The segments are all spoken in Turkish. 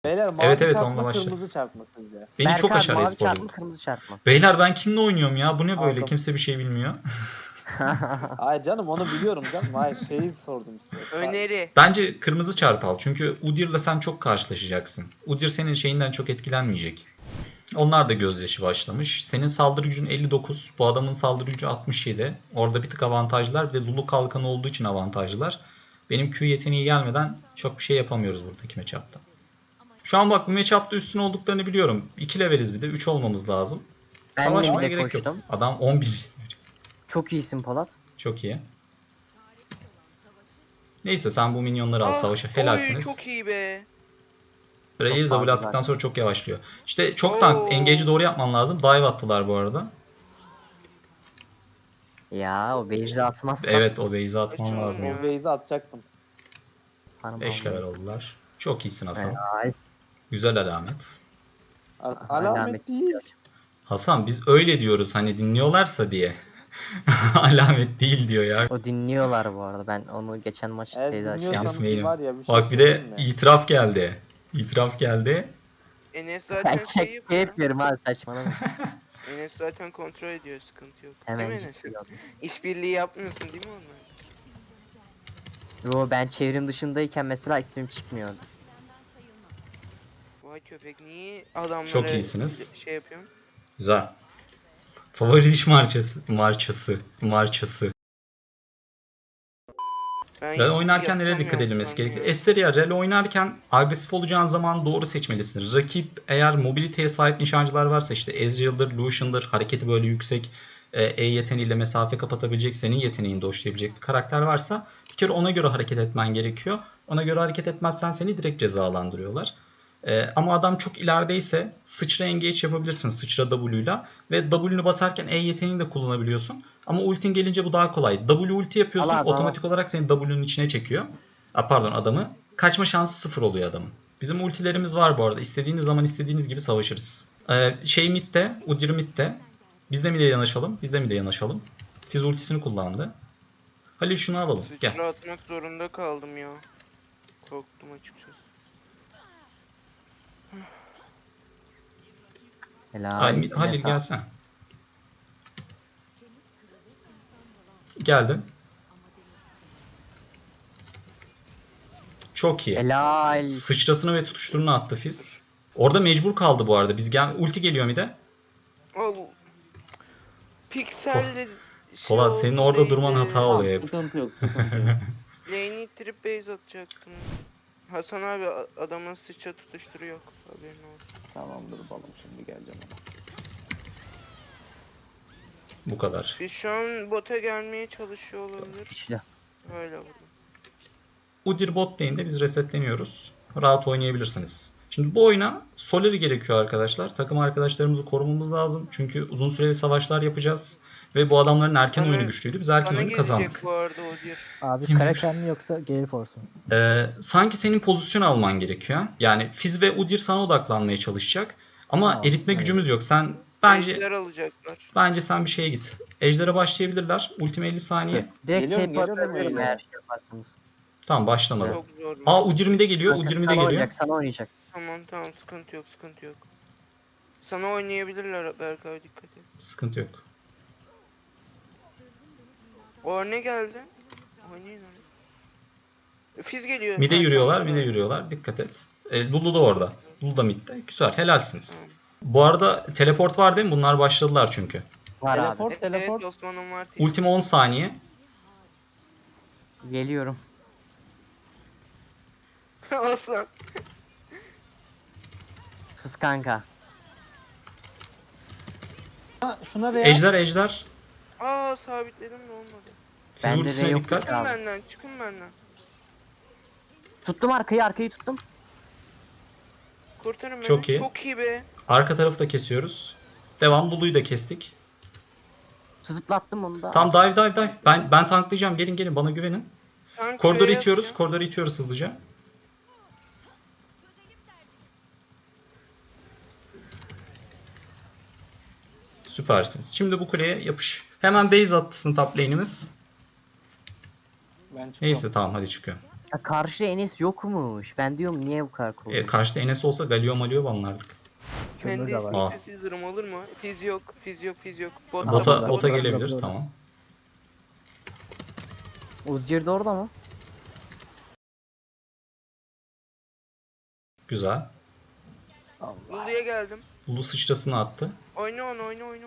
Beyler mavi Evet evet, çarpma onunla başla. kırmızı çarpma sizce. Beni çok Berkan, aşağı mavi e-sporcu. çarpma kırmızı çarpma. Beyler ben kimle oynuyorum ya? Bu ne böyle? Aldım. Kimse bir şey bilmiyor. Ay canım onu biliyorum canım. Hayır şeyi sordum size. Öneri. Bence kırmızı çarp al. Çünkü Udyr'la sen çok karşılaşacaksın. Udyr senin şeyinden çok etkilenmeyecek. Onlar da gözyaşı başlamış. Senin saldırı gücün 59. Bu adamın saldırı gücü 67. Orada bir tık avantajlar. Bir de Lulu kalkanı olduğu için avantajlar. Benim Q yeteneği gelmeden çok bir şey yapamıyoruz buradaki matchup'ta. Şu an bak bu matchup'ta üstün olduklarını biliyorum. 2 leveliz bir de. 3 olmamız lazım. Ben de Savaşmaya bile gerek yok. koştum. Adam 11. Çok iyisin Polat. Çok iyi. Neyse sen bu minyonları al savaşa. Helalsiniz. Oy çok iyi be. Ray'i Çok double fazla attıktan zaten. sonra çok yavaşlıyor. İşte çok tank. Engage'i doğru yapman lazım. Dive attılar bu arada. Ya o base'i atmazsam. Evet o base'i atman Açılmıyor. lazım. O base'i atacaktım. 5 level oldular. Çok iyisin Hasan. Helal. Güzel alamet. Alamet değil. Hasan biz öyle diyoruz hani dinliyorlarsa diye. Alamet değil diyor ya. O dinliyorlar bu arada. Ben onu geçen maçta Eğer teyze dinliyorsanız Yasmin. var ya bir şey Bak bir söyleyeyim de mi? itiraf geldi. İtiraf geldi. Enes Ben zaten şey çek yapıyor. yapıyorum abi saçmalama. Enes zaten kontrol ediyor, sıkıntı yok. Hemen Değil mi Enes? ciddi oldum. İşbirliği yapmıyorsun değil mi onunla? Yo, ben çevrim dışındayken mesela ismim çıkmıyordu. Vay köpek niye adamlara Çok iyisiniz. şey yapıyorsun? Güzel. Favori diş marçası. Rel oynarken nereye dikkat yapamıyorum edilmesi şu an gerekiyor? ya. Esteria Rel oynarken agresif olacağın zaman doğru seçmelisin. Rakip eğer mobiliteye sahip nişancılar varsa işte Ezreal'dır, Lucian'dır, hareketi böyle yüksek, E yeteneğiyle mesafe kapatabilecek, senin yeteneğini doşlayabilecek bir karakter varsa bir kere ona göre hareket etmen gerekiyor. Ona göre hareket etmezsen seni direkt cezalandırıyorlar. Ama adam çok ilerideyse sıçra engage yapabilirsin sıçra W'yla ve W'nu basarken E yeteneğini de kullanabiliyorsun. Ama ultin gelince bu daha kolay. W ulti yapıyorsun Allah, otomatik olarak seni W'nun içine çekiyor. Pardon adamı. Kaçma şansı 0 oluyor adamın. Bizim ultilerimiz var bu arada. İstediğiniz zaman istediğiniz gibi savaşırız. Mid'de, Udyr mid'de. Biz de mid'e yanaşalım. Fizz ultisini kullandı. Halil şunu alalım. Gel. Sıçra atmak zorunda kaldım ya. Korktum açıkçası. Helal. Halil Enes gelsene. Geldim. Çok iyi. Helal. Sıçrasını ve tutuşturunu attı Fizz. Orada mecbur kaldı bu arada. Ulti geliyor bir de. Al. Piksel Polat senin orada durman hata oluyor hep. Sıkıntı yok sıkıntı yok. Lane'i trip base atacaktım. Hasan abi adamın sıçra tutuşturu yok. Haberin olsun. Tamamdır balım şimdi geleceğim ona. Bu kadar. Biz şu an bota gelmeye çalışıyor olabilir. Güçlü. Öyle vurdum. Udyr bot lane'de biz resetleniyoruz. Rahat oynayabilirsiniz. Şimdi bu oyuna Soleri gerekiyor arkadaşlar. Takım arkadaşlarımızı korumamız lazım. Çünkü uzun süreli savaşlar yapacağız. Ve bu adamların erken Bana- oyunu güçlüydü. Biz erken Bana oyunu gelecek kazandık. bu arada o diyor. Abi Kim Kraken mi yoksa Gale Force mu? Sanki senin pozisyon alman gerekiyor. Yani Fizz ve Udyr sana odaklanmaya çalışacak. Ama Tamam, eritme evet. gücümüz yok. Sen Ejder alacaklar. bence sen bir şeye git. Ejder'e başlayabilirler. Ultime 50 saniye. Direkt Geliyorum, TP geliyorum atabilirim öyle. eğer şey yaparsanız. Tamam başlamadı. Çok zor. Udyr mid'e geliyor. Udyr mid'e Sana geliyor. oynayacak, sana oynayacak. Tamam sıkıntı yok. Sana oynayabilirler Berkay dikkat et. Sıkıntı yok. O ne geldi? Oynayın onu. Fiz geliyor. Mid'e Ha, yürüyorlar, tamam, mid'e tamam. yürüyorlar. Dikkat et. Lulu da orada. Lulu da mid'de. Güzel, helalsiniz. Tamam. Bu arada teleport var değil mi? Bunlar başladılar çünkü. Var abi. Teleport teleport. Evet Osman'ın var. Ultime 10 saniye. Geliyorum. Osman. Sus kanka. Ha, şuna veya Ejder. Aa sabitledim de olmadı. Siz Bende de ultisine yok. dikkat. Çıkın Abi. benden çıkın benden. Tuttum arkayı tuttum. Kurtarın beni. Çok iyi. Çok iyi be. Arka tarafı da kesiyoruz. Devam. Lulu'yu da kestik. Zıplattım onu da. Tam dive. Ben tanklayacağım. Gelin bana güvenin. Tank Koridoru Q'ya itiyoruz. atacağım. Koridoru itiyoruz hızlıca. Süpersiniz. Şimdi bu kuleye yapış. Hemen base atsın top lane'imiz. ben çıkıyorum. Neyse tamam hadi çıkıyor. Ha, karşı Enes yokmuş. Ben diyorum niye bu kadar cool? Karşıda Enes olsa Galio Malio banlardık. Kömür Ben de de var. istekli durum olur mu? Fiz yok. Fiz yok. Fiz yok. Botta Bota, botta bota botta. gelebilir, Bota. tamam. Udyr de orada mı? Güzel. Lulu'ya geldim. Lulu sıçrasını attı. Oyna onu oyna.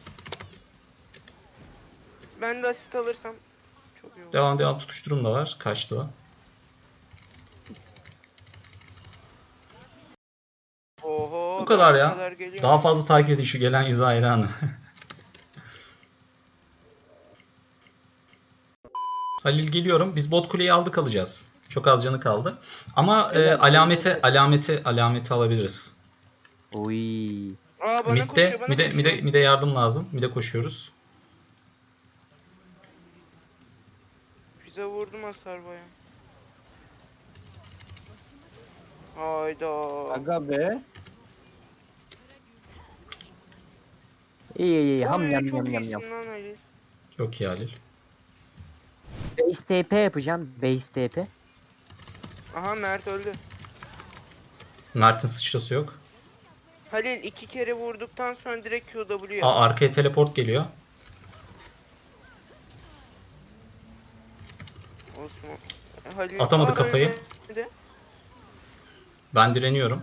Ben de asist alırsam çok iyi olur. Devam tutuşturum da var. Kaçtı o. Oho. Bu kadar ben ya. bu kadar geliyorum. Daha fazla takip edin şu gelen yüzü hayranı. Halil geliyorum. Biz bot kuleyi aldık alacağız. Çok az canı kaldı. Ama Evet, alameti alabiliriz. Oy. Aa bana Mid'de, koşuyor bana koşuyor. mid'e yardım lazım. Mid'e koşuyoruz. Bize vurdum hasar baya. Hayda. Aga be. İyi ham Oy, yam çok yam yam iyisin yam. lan Halil. Çok iyi Halil. Base TP yapacağım. Base TP. Aha Mert öldü. Mert'in sıçrası yok. Halil 2 kere vurduktan sonra direkt QW yap. Arkaya teleport geliyor. Osman. Halil. Atamadı kafayı. ölmedi. Ben direniyorum.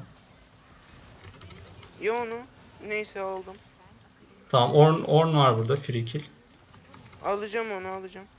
Ya onu. Neyse aldım. Tamam Ornn var burada. Free kill. Alacağım onu alacağım.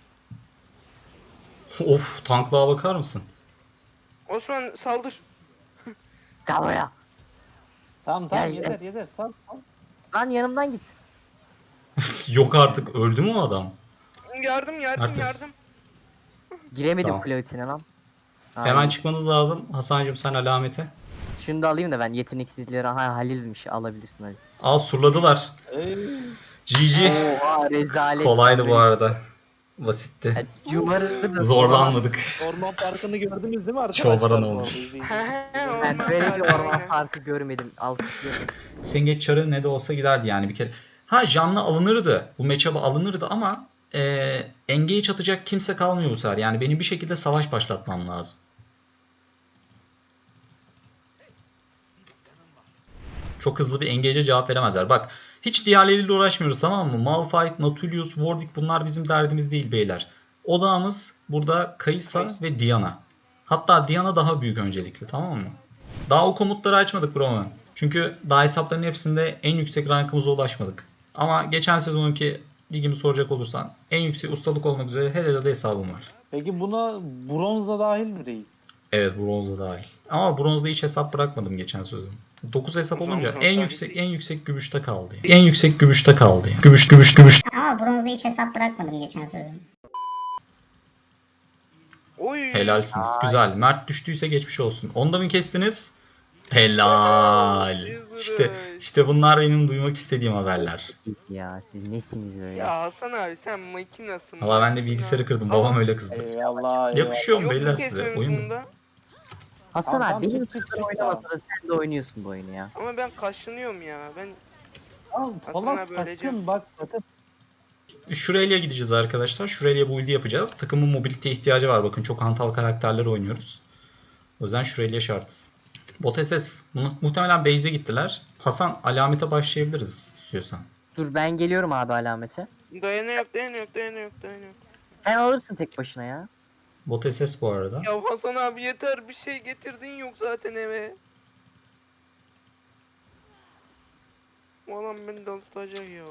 Of, tanklığa bakar mısın? Osman saldır. Gel buraya. Tamam Gel, yeter sal. Lan yanımdan git. Yok artık, öldü mü o adam? Yardım Artemis. Giremedim Tamam. kule içine lan. Hemen çıkmanız lazım. Hasan'cığım sen alamete. Şunu da alayım da ben yeteneksizleri. Ha Halil'miş, alabilirsin Halil. Al, surladılar. Ey. GG. Oha rezalet. Kolaydı bu arada. Basitti. Cumarı da Zorlanmadık. Orman parkını gördünüz değil mi arkadaşlar? Çobaran bu oldu. arada? İzleyin. Ben böyle bir orman parkı görmedim. Alkışlıyorum. Sengeç çarı ne de olsa giderdi yani bir kere. Ha, canlı alınırdı. Bu matchup'a alınırdı ama engage atacak kimse kalmıyor bu sefer. Yani benim bir şekilde savaş başlatmam lazım. Çok hızlı bir engage'e cevap veremezler. Bak, hiç diğerleriyle uğraşmıyoruz, tamam mı? Malphite, Nautilus, Warwick, bunlar bizim derdimiz değil beyler. Odağımız burada Kaysa ve Diana. Hatta Diana daha büyük öncelikli, tamam mı? Daha o komutları açmadık bro. Çünkü daha hesapların hepsinde en yüksek rankımıza ulaşmadık. Ama geçen sezonunki ligimi soracak olursan en yüksek ustalık olmak üzere her arada hesabım var. Peki buna bronz da dahil mi reis? Evet, bronzda dahil. Ama bronzda hiç hesap bırakmadım geçen sezon. 9 hesap O zaman olunca bronz en dahil yüksek değil. en yüksek gümüşte kaldı. En yüksek gümüşte kaldı. Gümüş. Ama bronzda hiç hesap bırakmadım geçen sezon. Oy. Helalsiniz. Güzel. Mert düştüyse geçmiş olsun. Onda mı kestiniz? Helal. İşte bunlar benim duymak istediğim haberler. Siz ya siz nesiniz böyle? Ya Hasan abi sen makinasın. Valla ben de makina. bilgisayarı kırdım. Ama Babam öyle kızdı. Eyvallah. Yakışıyor mu Yok beyler mu size? kesmemiz Oyun mu? bunda? Hasan Tamam, abi benim çık, kızlar çık, oynamasa da sen de oynuyorsun bu oyunu ya. Ama ben kaşınıyorum ya. Ben Tamam, Hasan falan abi öleceğim. sakın bak sakın. Şuraya gideceğiz arkadaşlar. Şuraya build'i yapacağız. Takımın mobiliteye ihtiyacı var. Bakın çok hantal karakterler oynuyoruz. O yüzden şuraya şartız. Bot SS. Muhtemelen base'e gittiler. Hasan, alamete başlayabiliriz istiyorsan. Dur ben geliyorum abi alamete. Dayana yok. Sen alırsın tek başına ya. Bot SS bu arada. Ya Hasan abi yeter bir şey getirdin yok zaten eve. Bu adam beni daltacak ya.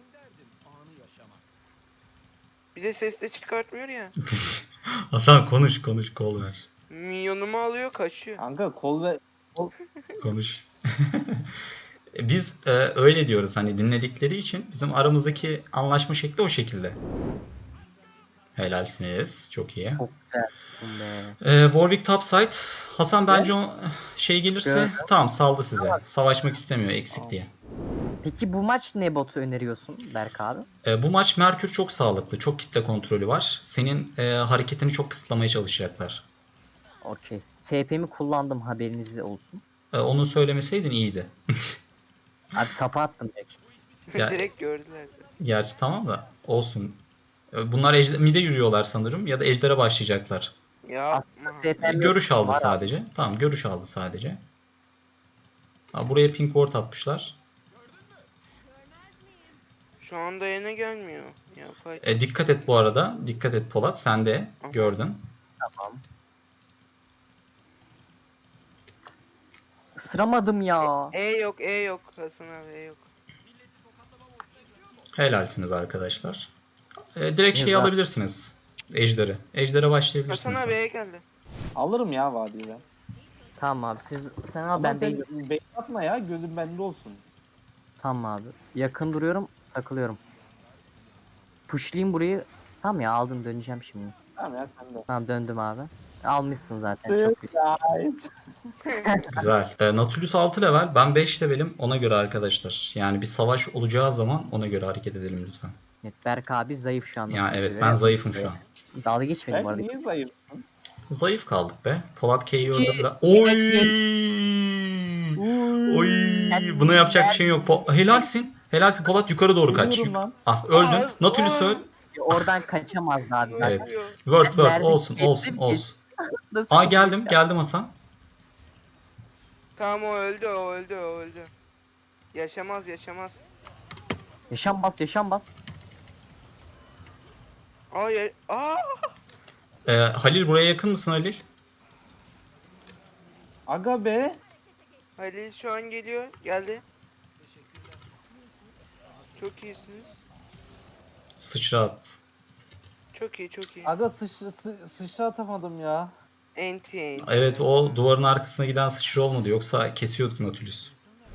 Bir de ses de çıkartmıyor ya. Hasan konuş kol ver. Minyonumu alıyor kaçıyor. Kanka kol ve Konuş. Biz öyle diyoruz, hani dinledikleri için bizim aramızdaki anlaşma şekli o şekilde. Helalsiniz. Çok iyi. Çok güzel be. Warwick topside. Hasan bence o şey gelirse Gördüm. tamam, saldı size. Savaşmak istemiyor eksik diye. Peki bu maç ne botu öneriyorsun Berk abi? Bu maç Merkür çok sağlıklı. Çok kitle kontrolü var. Senin hareketini çok kısıtlamaya çalışacaklar. Okey. TP'mi kullandım haberiniz olsun. Onu söylemeseydin iyiydi. Abi tapa attım direkt. Ya- Direkt gördüler. Gerçi tamam da olsun. Bunlar mid'e yürüyorlar sanırım ya da ejder'e başlayacaklar. Yapma. TP'm Görüş aldı var abi. sadece. Tamam, görüş aldı sadece. Ha, buraya pink ward atmışlar. Şu anda yine gelmiyor. Yapay. Dikkat et bu arada. Dikkat et Polat. Sen de Aha. gördün. Tamam. Isıramadım ya. E yok, E yok Hasan abi, E yok. Helalsiniz arkadaşlar. Direkt şeyi Güzel. alabilirsiniz. Ejder'i. Ejder'e başlayabilirsiniz. Hasan abi E geldi. Alırım ya vadiyi ben. Tamam abi sen al Ama ben sen de. bait atma ya, gözün bende olsun. Tamam abi. Yakın duruyorum, takılıyorum. Pushlayayım burayı. Tamam ya aldım, döneceğim şimdi. Tamam ya, sen de. Tamam döndüm abi. Almışsın zaten çok iyi. Güzel. Nautilus 6 level. Ben 5 levelim. Ona göre arkadaşlar. Yani bir savaş olacağı zaman ona göre hareket edelim lütfen. Evet, Berk abi zayıf şu anda. Ya evet, ben zayıfım şu an. Dalga geçmedim bu Ben arada. niye zayıfsın? Zayıf kaldık be. Polat K'yi Ki- öldürdü. Oy! Oy! Ben- Buna yapacak bir şey yok. Helalsin. Helalsin Polat, yukarı doğru kaç. Geliyorum lan. Ah, öldün. Aa, Nautilus öl. Oradan kaçamazdı abi. zaten. Evet. Word word Verdik, olsun geçtim, olsun olsun. Nasıl Aa, geldim yapacağım? Hasan. Tamam, o öldü, o öldü, o öldü. Yaşamaz, yaşamaz. Yaşam bas, yaşam bas. Aa! Halil, buraya yakın mısın Halil? Aga be. Halil şu an geliyor. Geldi. Çok iyisiniz. Sıçra at. Çok iyi, çok iyi. Aga sıçra atamadım ya. Enti. Evet, o duvarın arkasına giden sıçra olmadı. Yoksa kesiyorduk Nautilus.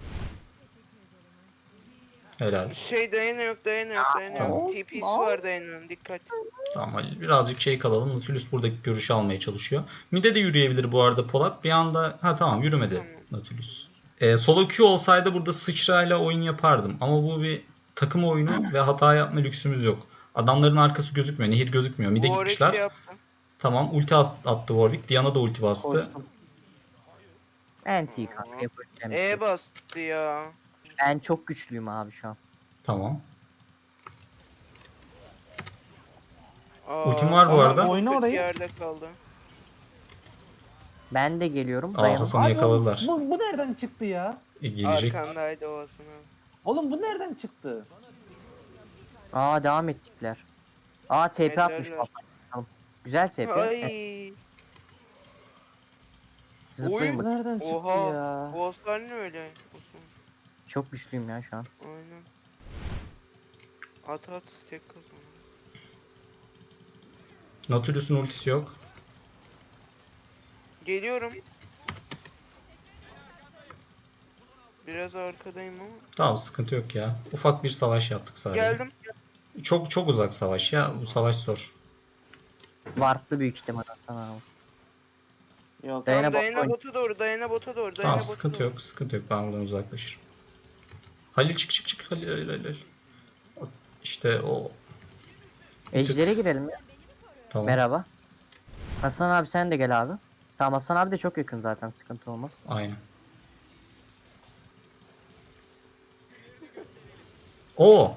Helal. Şey dayana yok, dayana yok, dayana Tamam. yok. TP'si var dayanın, dikkat. Tamam Halil, birazcık şey kalalım. Nautilus buradaki görüşü almaya çalışıyor. Mide de yürüyebilir bu arada Polat. Bir anda tamam, yürümedi Tamam. Nautilus. Solo Q olsaydı burada sıçrayla oyun yapardım. Ama bu bir takım oyunu ve hata yapma lüksümüz yok. Adamların arkası gözükmüyor. Nehir gözükmüyor. Mide Warwick gitmişler. şey yaptı. Tamam, ulti attı Warwick. Diana da ulti bastı. Koştum. Anti kanka yapacağım. bir şey E yok. bastı ya. Ben çok güçlüyüm abi şu an. Tamam. Aa, Ultim var bu sana arada. çok Oyna kötü orayı. yerde kaldı. Ben de geliyorum. Aa, Dayanın. Hasan'ı Abi yakaladılar. Bu nereden çıktı ya? Gelecek. Arkandaydı o Hasan abi. Oğlum bu nereden çıktı? Aa devam ettikler. Aa TP atmış Ederler. baba. Tamam. Güzel TP. Ay. Zıplayın Bu bak. nereden çıktı Oha. ya? Bu Oscar ne öyle? Osman. Çok güçlüyüm ya şu an. Aynen. At tek kazan. Nautilus'un ultisi yok. Geliyorum. Biraz arkadayım ama. Tamam, sıkıntı yok ya. Ufak bir savaş yaptık sadece. Geldim. Çok çok uzak savaş ya. Bu savaş zor. Warp'lı büyük ihtimal Hasan abi. Yok. Dayana Tamam, bot dayana oyun. bota doğru, dayana bota doğru, dayana Tamam, bota sıkıntı doğru. yok. Sıkıntı yok. Ben buradan uzaklaşırım. Halil çık. Halil. İşte o. Ejder'e girelim ya. Tamam. Merhaba. Hasan abi sen de gel abi. Tamam Hasan abi de çok yakın zaten, sıkıntı olmaz. Aynen. Oo.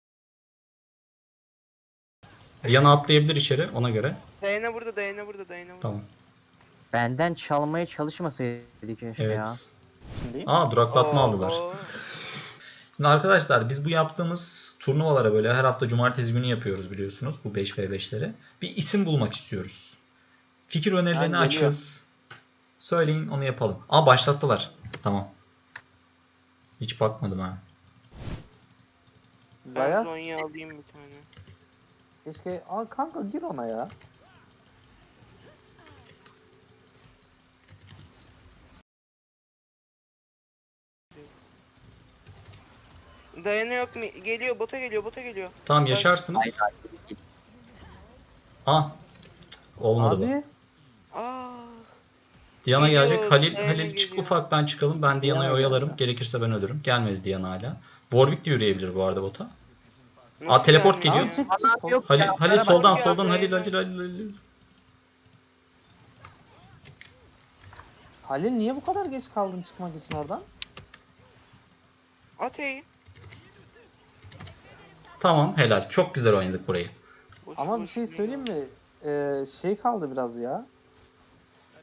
Diana atlayabilir içeri ona göre. Dayana burada, dayana burada, dayana burada. Tamam. Benden çalmaya çalışmasaydı keşke Evet. ya. Şimdi. Aa, duraklatma aldılar. Oo. Şimdi arkadaşlar, biz bu yaptığımız turnuvalara böyle her hafta cumartesi günü yapıyoruz biliyorsunuz, bu 5v5'leri. Bir isim bulmak istiyoruz. Fikir önerilerini geliyor. açığız. Söyleyin, onu yapalım. Aa, başlattılar. Tamam. Hiç bakmadım ha. Ben Zaya. Zonya alayım bir tane. Keşke. Al kanka, gir ona ya. Dayana yok mu? Geliyor, bota geliyor, bota geliyor. Tamam, Say- yaşarsınız. Aa. Olmadı bu. Abi. Aa. Diana Geliyor, gelecek. Diana Halil çık, geliyor. ufaktan çıkalım. Ben Diana'yı Diana oyalarım. geldi. Gerekirse ben ölürüm. Gelmedi Diana hala. Warwick de yürüyebilir bu arada bota. Nasıl teleport gelmiyor geliyor. ya? Çık. Hasan yok. Halil, ya, Halil merhaba. soldan ya, soldan Halil Diana. Halil. Halil niye bu kadar geç kaldın çıkmak için oradan? Atey. Tamam, helal. Çok güzel oynadık burayı. Boş Ama bir boş şey yürüyor. söyleyeyim mi? Şey kaldı biraz ya.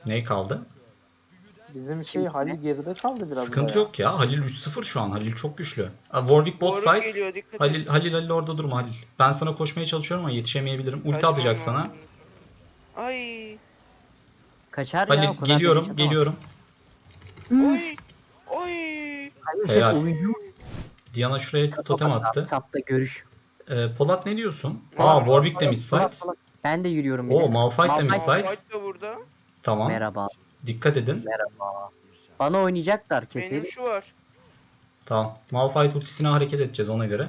Ne kaldı? Bizim şey Halil geride kaldı biraz Sıkıntı bayağı. yok ya. Halil 3-0 şu an. Halil çok güçlü. Warwick bot Warwick side. geliyor, dikkat Halil, et. Halil orada durma Halil. Ben sana koşmaya çalışıyorum ama yetişemeyebilirim. Ulti Kaçmam atacak lazım. sana. Ay. Kaçar ya o Halil kadar geliyorum, damage atamaz. geliyorum. Oy. Oy. Halil sen Helal. oyuncu Diana şuraya totem attı. Tapta görüş. Polat ne diyorsun? Polat, Warwick de mid side. Ben de yürüyorum. bir Oo de. Malphite de mid Malphite- side. Fight da burada. Tamam. Merhaba. Dikkat edin. Merhaba. Bana oynayacaklar Benim kesin. şu var. Tamam. Malphite ultisine hareket edeceğiz ona göre.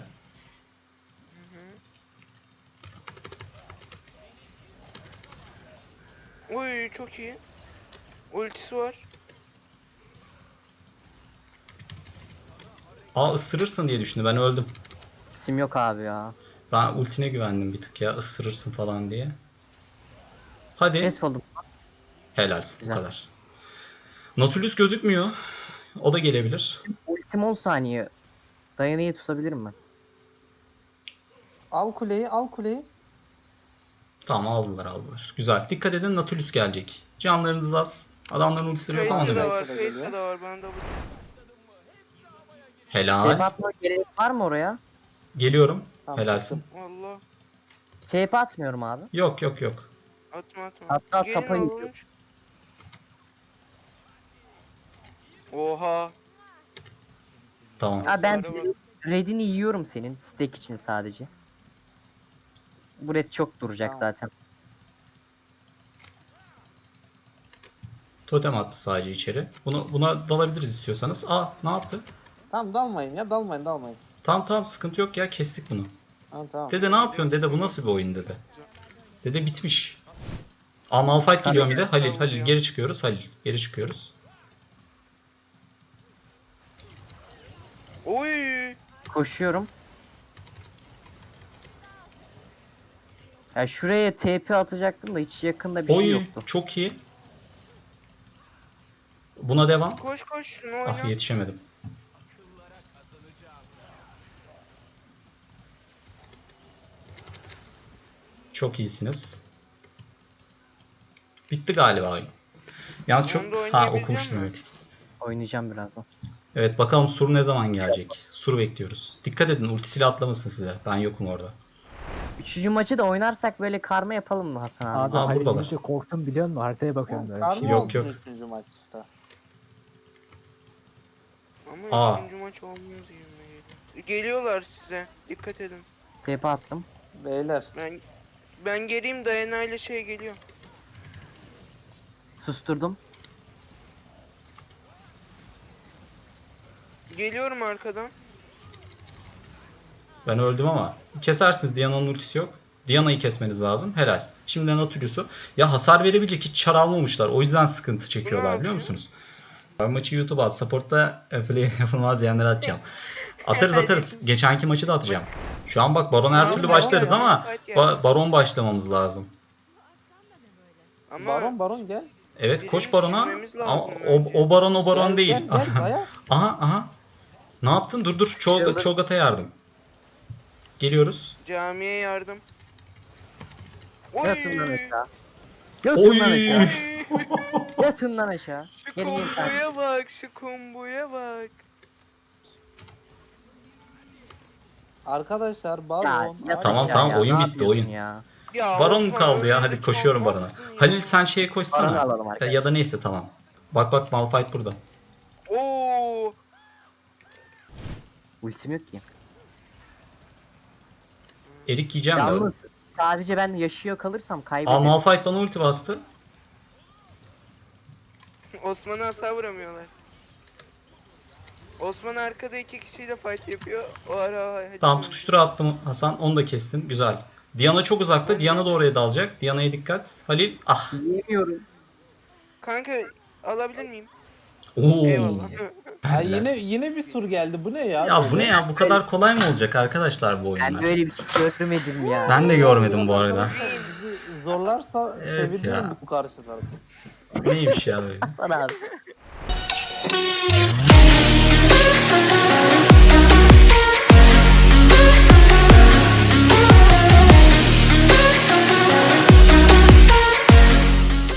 Oy çok iyi. Ultisi var. Isırırsın diye düşündü. Ben öldüm. İsim yok abi ya. Ben ultine güvendim bir tık ya. Isırırsın falan diye. Hadi. Kes oldum. Helalsin. Bu Güzel. kadar. Nautilus gözükmüyor. O da gelebilir. Ultim 10 saniye. Dayanıyı tutabilirim ben. Al kuleyi, al kuleyi. Tamam aldılar. Güzel. Dikkat edin Nautilus gelecek. Canlarınız az. Adamların ultileri yok ama Kayısı da demek. var. Kayısı da Kayısı geliyor. da var. Ben de bu. Helal. Atma gerek var mı oraya? Geliyorum. Tamam, Helalsin. çıktım. Allah. Atmıyorum abi. Yok. Atma. Hatta Gelin tapa oğlum. gidiyor. Oha. Tamam. Ha ben Hasara bak. redini yiyorum senin stack için sadece. Bu red çok duracak Tamam. zaten. Totem attı sadece içeri. Buna dalabiliriz istiyorsanız. Ne yaptı? Tamam dalmayın ya, dalmayın. Tamam sıkıntı yok ya kestik bunu. Tamam. Dede ne yapıyorsun dede bu nasıl bir oyun dede. Dede bitmiş. Malphite Sana geliyor bir de. Halil kalıyor. geri çıkıyoruz. Geri çıkıyoruz. Oy. Koşuyorum. Ya şuraya TP atacaktım da hiç yakında bir şey Oy yoktu. çok iyi. Buna devam. Koş şunu oyna. Yetişemedim. Çok iyisiniz. Bitti galiba oyun. Yalnız çok... Onu da oynayabilecek Okumuştum misin? evet. Oynayacağım birazdan. Evet bakalım Sur ne zaman gelecek? Sur bekliyoruz. Dikkat edin ultisiyle atlamasın size. Ben yokum orada. Üçüncü maçı da oynarsak böyle karma yapalım mı Hasan abi? Abi Aa, Halil buradalar. deyince korktum biliyor musun? Haritaya bakıyorum böyle. bir Karma şey. Yok, olsun yok. 3. maçta. Ama Aa. üçüncü maç olmaz gibi geliyor. Geliyorlar size. Dikkat edin. TP attım. Beyler. Ben geleyim Dayana ile şey geliyor. Susturdum. Geliyorum arkadan. Ben öldüm ama. Kesersiniz. Diana'nın ultisi yok. Diana'yı kesmeniz lazım. Helal. Şimdi Nautilus'u. Ya hasar verebilecek hiç çar almamışlar. O yüzden sıkıntı çekiyorlar biliyor yapıyor? musunuz? Ben maçı YouTube'a at. Support'ta play yapılmaz diyenlere atacağım. Atarız. Geçenki maçı da atacağım. Şu an bak Baron her Abi, türlü Baron başlarız ya, ama fight geldi. Baron başlamamız lazım. Ama Baron gel. Evet koş Birini Baron'a. düşünmemiz lazım Ama bence. o Baron Gel, değil. Gel Zaya. Aha. Ne yaptın? Dur. Sıçradı. Cho'Gath'a yardım. Geliyoruz. camiye yardım. Oy. Yatın lan aşağı. Oy. Yatın lan aşağı. Yatın lan aşağı. Şu Gelin gelin. komboya bak, şu komboya bak. Arkadaşlar Baron. yatın Tamam, aşağı tamam, ya, oyun ne bitti, yapıyorsun oyun. Ya. Ya Baron mu Osman, kaldı ya? öyle Hadi hiç koşuyorum Baron'a. olmazsın ya. Halil sen şeye Baron'u koşsana. alalım arkadaşlar. Ya da neyse tamam. Bak Malphite burada. Oo. Ultim yok ki. Erik yiyeceğim de. Yalnız sadece ben yaşıyor kalırsam Aa kaybederim. Malphite bana ulti bastı. Osman'a hasar vuramıyorlar. Osman arkada 2 kişiyle fight yapıyor. O ara hadi. Tamam tutuştura attım Hasan. Onu da kestin. Güzel. Diana çok uzakta. Diana da oraya dalacak. Diana'ya dikkat. Halil. Yiyemiyorum. Kanka alabilir miyim? Oo. Eyvallah. Ay yine bir sur geldi. Bu ne ya? Ya bu ne ya? Bu kadar kolay mı olacak arkadaşlar bu oyunlar? Ben böyle bir şey görmedim ya. Ben de görmedim bu arada. Bizi zorlarsa Evet sevinirim ya. bu karşı tarafı. Neymiş ya böyle? Hasan abi.